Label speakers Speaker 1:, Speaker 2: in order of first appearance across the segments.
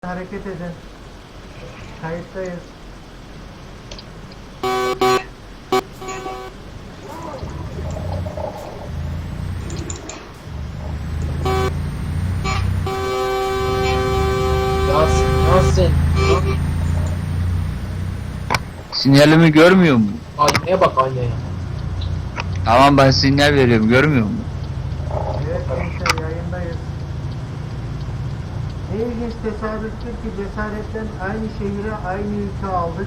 Speaker 1: Hareket edin. Kayıttayız.
Speaker 2: Nasıl?
Speaker 3: Sinyalimi görmüyor mu?
Speaker 2: Aynaya bak aynaya.
Speaker 3: Tamam, ben sinyal veriyorum, görmüyor mu?
Speaker 1: Evet gençler, yayındayız. Ne ilginç tesadüftür ki cesaretten aynı şehire aynı yükü aldık.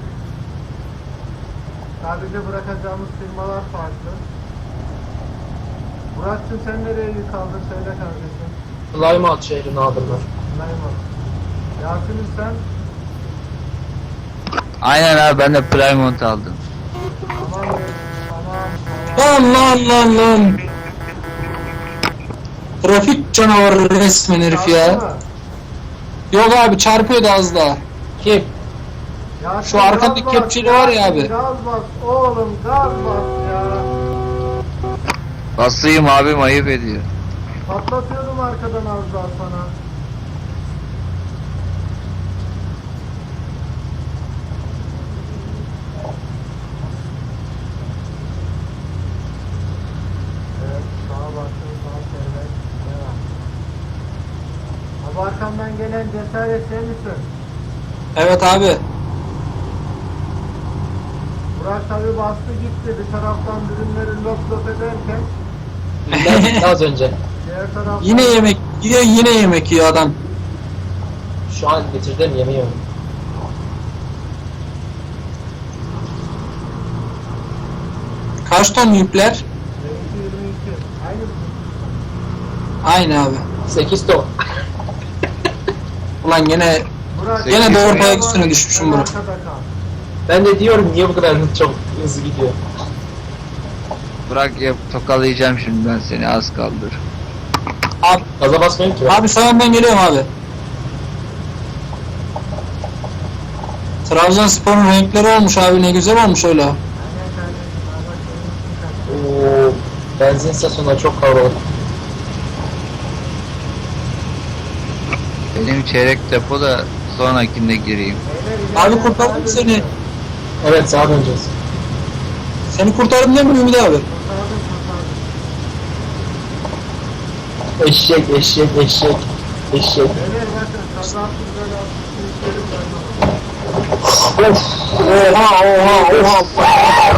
Speaker 1: Tabirde bırakacağımız firmalar farklı. Murat'cığım sen nereye yük aldın söyle kardeşim.
Speaker 2: Plymouth şehrine adımlar.
Speaker 1: Layman. Yasin'im sen?
Speaker 3: Aynen abi, ben de Plymouth aldım.
Speaker 1: Tamam be. Tamam.
Speaker 4: Lan. Trafik canavarı resmen herif ya.
Speaker 1: Yasin mi?
Speaker 4: Yok abi, çarpıyordu az daha.
Speaker 2: Kim?
Speaker 1: Yasin,
Speaker 4: Şu arkadaki
Speaker 1: gaz bas,
Speaker 4: kepçeli var ya
Speaker 1: Yasin,
Speaker 4: abi.
Speaker 1: Gaz bas oğlum, gaz bas ya.
Speaker 3: Basayım abim, ayıp ediyor.
Speaker 1: Patlatıyordum arkadan az daha sana. Evet, sağa baktım, sağa çevirek. Devam. Abi arkamdan gelen cesaret sen misin?
Speaker 4: Evet abi.
Speaker 1: Burak tabi bastı gitti. Bir taraftan ürünleri lop lop ederken
Speaker 2: Az önce.
Speaker 1: diğer taraftan...
Speaker 4: Yine yemek yiyor adam.
Speaker 2: Şu an bitirdim yemiyorum.
Speaker 4: Kaç ton yükler?
Speaker 1: Benimki 22. Aynı mı?
Speaker 4: Aynı abi.
Speaker 2: 8 ton.
Speaker 4: Ulan gene
Speaker 1: Burak,
Speaker 3: Gene
Speaker 4: doğru
Speaker 1: sen
Speaker 4: ayak üstüne düşmüşüm Burak.
Speaker 1: arkada kal.
Speaker 2: Ben de diyorum niye bu kadar çok hızlı gidiyor.
Speaker 3: Bırak ya, tokalayacağım şimdi ben seni, az kaldır.
Speaker 4: Abi,
Speaker 2: Gaza basmayayım ki.
Speaker 4: abi sağından geliyorum abi. Trabzonspor'un renkleri olmuş abi, ne güzel olmuş öyle.
Speaker 1: Aynen kardeşim. Allah senin için
Speaker 2: Oo, benzin istasyonları çok kalabalık.
Speaker 3: Benim çeyrek depo da sonrakinde gireyim.
Speaker 1: Beyler,
Speaker 4: Abi
Speaker 1: ileride
Speaker 4: kurtardım
Speaker 1: sağa
Speaker 4: seni.
Speaker 1: dönüyor.
Speaker 2: Evet sağa döneceğiz.
Speaker 4: Seni kurtardım değil mi Ümit abi?
Speaker 1: Kurtardım.
Speaker 2: Eşek.
Speaker 1: Beyler bakın kazasız belasız sürüşlerim var.
Speaker 2: Oha.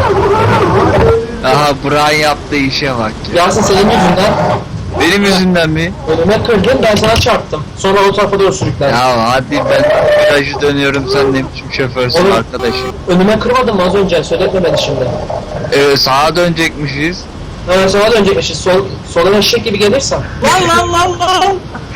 Speaker 3: Aha, Burak'ın yaptığı işe bak ya.
Speaker 2: Yasin senin yüzünden
Speaker 3: Benim yüzümden mi?
Speaker 2: önüme kırdın ben sana çarptım. Sonra o tarafa doğru sürüklendim.
Speaker 3: Ya hadi, ben virajı dönüyorum, sen ne biçim şoförsün
Speaker 2: Oğlum.
Speaker 3: arkadaşım.
Speaker 2: Önüme kırmadın mı az önce? Söyletme beni şimdi.
Speaker 3: Sağa dönecekmişiz.
Speaker 2: Ha, sağa dönecekmişiz. Sola eşek gibi gelirsen.
Speaker 4: Lan.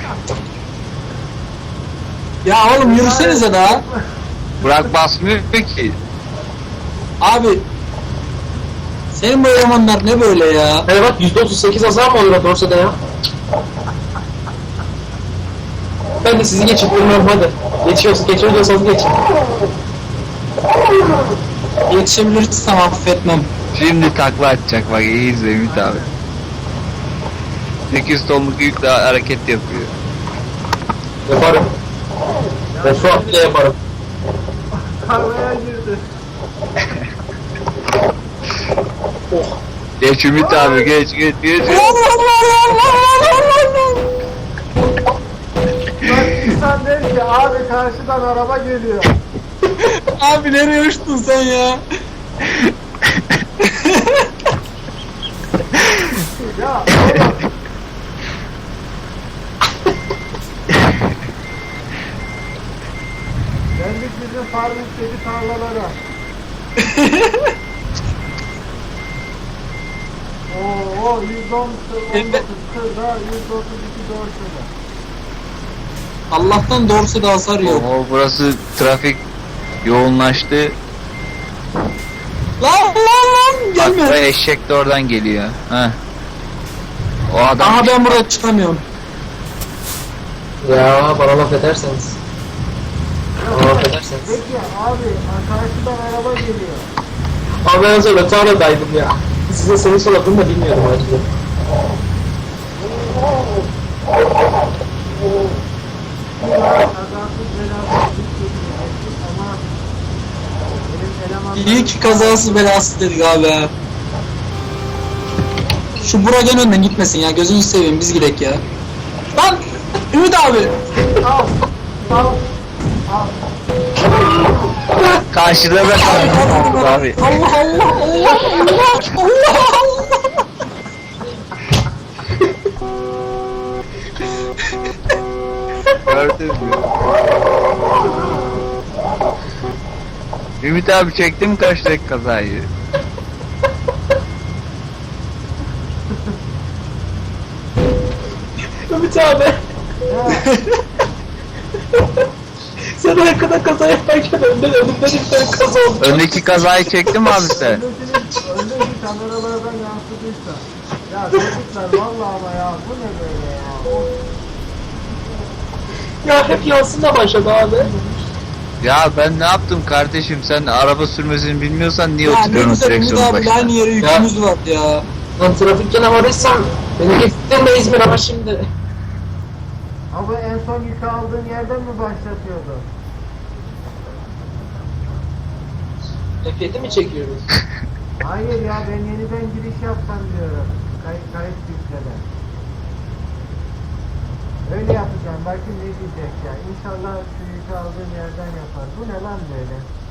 Speaker 4: Ya oğlum yürüsenize daha.
Speaker 3: Burak basmıyor ki.
Speaker 4: Abi. Senin bu elemanlar ne böyle ya?
Speaker 2: Hani bak %38 azar mı olur o dorsada ya? Ben de sizi geçip durmuyorum hadi. Geçiyorsanız geçin.
Speaker 4: Yetişebilirsem affetmem.
Speaker 3: Şimdi takla atacak, bak iyi izle Ümit abi. 8 tonluk yükle hareket yapıyor.
Speaker 2: Yaparım. Refuat bile yaparım.
Speaker 1: Tarlaya girdi.
Speaker 3: Geç Ümit abi, geç.
Speaker 1: Bak insan der ki abi karşıdan araba geliyor.
Speaker 4: Abi nereye uçtun sen ya?
Speaker 1: Ya oğlum. Geldik bizim Farmik'teki tarlalara. Oo 119 kırda 132 dorsada.
Speaker 4: Allah'tan doğrusu da hasar yok.
Speaker 3: Oho, burası trafik yoğunlaştı.
Speaker 4: Lan
Speaker 3: Bak,
Speaker 4: gelme.
Speaker 3: bu eşek de oradan geliyor. Heh. O adam.
Speaker 4: Aha ben buraya çıkamıyorum.
Speaker 2: Ya bana laf ederseniz. Bana laf ederseniz.
Speaker 1: Peki abi karşıdan araba geliyor.
Speaker 2: Abi ben sonra tarladaydım ya. Size seni soladığını da bilmiyordum ayrıca.
Speaker 1: Kazasız belasız
Speaker 4: İyi ki kazası belası dedik abi ha. Şu Burak'ın önünden gitmesin ya, gözünü seveyim, biz gidek ya. Lan Ümit abi.
Speaker 1: Al. Al. Al.
Speaker 3: Karşıda ben abi.
Speaker 4: Allah Allah Allah Allah Allah Allah.
Speaker 3: Gördün mü? Ümit abi çektim karşıdaki kazayı.
Speaker 2: Ümit abi. Sen arkada kaza yaparken önümden bir tane kaza oldu.
Speaker 3: Öndeki kazayı çektin mi abi sen?
Speaker 1: Öndeki kameralardan yansıdıysa. Ya çocuklar vallahi ama ya bu ne böyle ya. Of.
Speaker 2: Ya hep yansın başladı abi.
Speaker 3: Ya ben ne yaptım kardeşim, sen araba sürmesini bilmiyorsan niye
Speaker 4: Ya ne
Speaker 3: oturuyorsun
Speaker 4: güzel Ümit
Speaker 3: direksiyonun
Speaker 4: abi,
Speaker 3: başına?
Speaker 4: aynı yere yükümüz var ya.
Speaker 2: Lan trafik canavarıysan beni getirdin de İzmir ama şimdi.
Speaker 1: Abi en son yükü aldığın yerden mi başlatıyordu?
Speaker 2: F7 mi çekiyoruz?
Speaker 1: Hayır ya ben yeniden giriş yapsam diyorum. Kayıt yükleme. Öyle yapacağım. Bakın ne diyecek ya. İnşallah şu yükü aldığım yerden yapar. Bu ne lan böyle?